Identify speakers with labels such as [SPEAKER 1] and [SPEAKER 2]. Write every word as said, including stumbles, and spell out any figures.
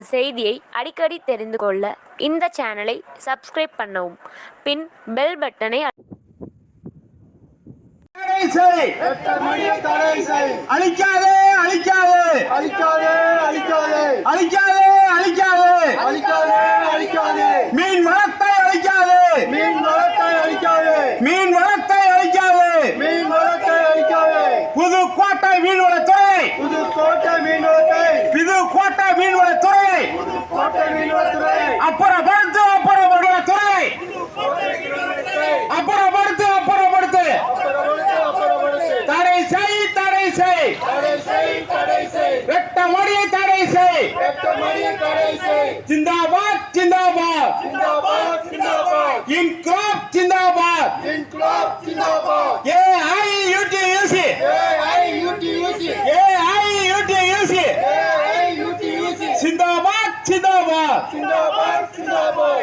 [SPEAKER 1] செய்தியை அடிக்கடி தெரிந்து கொள்ள இந்த சேனலை சப்ஸ்கிரைப் பண்ணவும், பின் பெல் பட்டனை
[SPEAKER 2] அழிக்காதே அழிக்காதே
[SPEAKER 3] அழிக்காதே அழிக்காதே
[SPEAKER 2] அழிக்காதே அழிக்காதே
[SPEAKER 3] அழிக்காதே அழிக்காதே
[SPEAKER 2] மீன் வளத்தை அழிக்காதே
[SPEAKER 3] மீன் வளத்தை அழிக்காதே
[SPEAKER 2] மீன் வளத்தை அழிக்காதே
[SPEAKER 3] மீன் வளத்தை அழிக்காதே
[SPEAKER 2] புதுக்கோட்டை மீன்வளத்துறை
[SPEAKER 3] புதுக்கோட்டை மீன்வளத்தை
[SPEAKER 2] புதுக்கோட்டை மீன்வளத்துறை
[SPEAKER 3] புதுக்கோட்டை மீன்வளத்துறை
[SPEAKER 2] அப்புறப்படுத்து அப்புறப்படுத்துறை அப்புறப்படுத்து அப்புறப்படுத்து தடை செய் தடை செய்
[SPEAKER 3] தடை செய் தடை செய்
[SPEAKER 2] வெட்ட மடியை தடை செய்
[SPEAKER 3] வெட்ட மடியை தடை செய்
[SPEAKER 2] ஜிந்தாபாத் ஜிந்தாபாத்
[SPEAKER 3] ஜிந்தாபாத் ஜிந்தாபாத்
[SPEAKER 2] இன்குலாப் ஜிந்தாபாத்
[SPEAKER 3] இன்குலாப் ஜிந்தாபாத்
[SPEAKER 2] ஏஐயுடியூசி
[SPEAKER 3] ஏஐயுடியூசி
[SPEAKER 2] ஏஐயுடியூசி
[SPEAKER 3] ஏஐயுடியூசி
[SPEAKER 2] ஜிந்தாபாத் ஜிந்தாபாத்
[SPEAKER 3] ஜிந்தாபாத் ஜிந்தாபாத்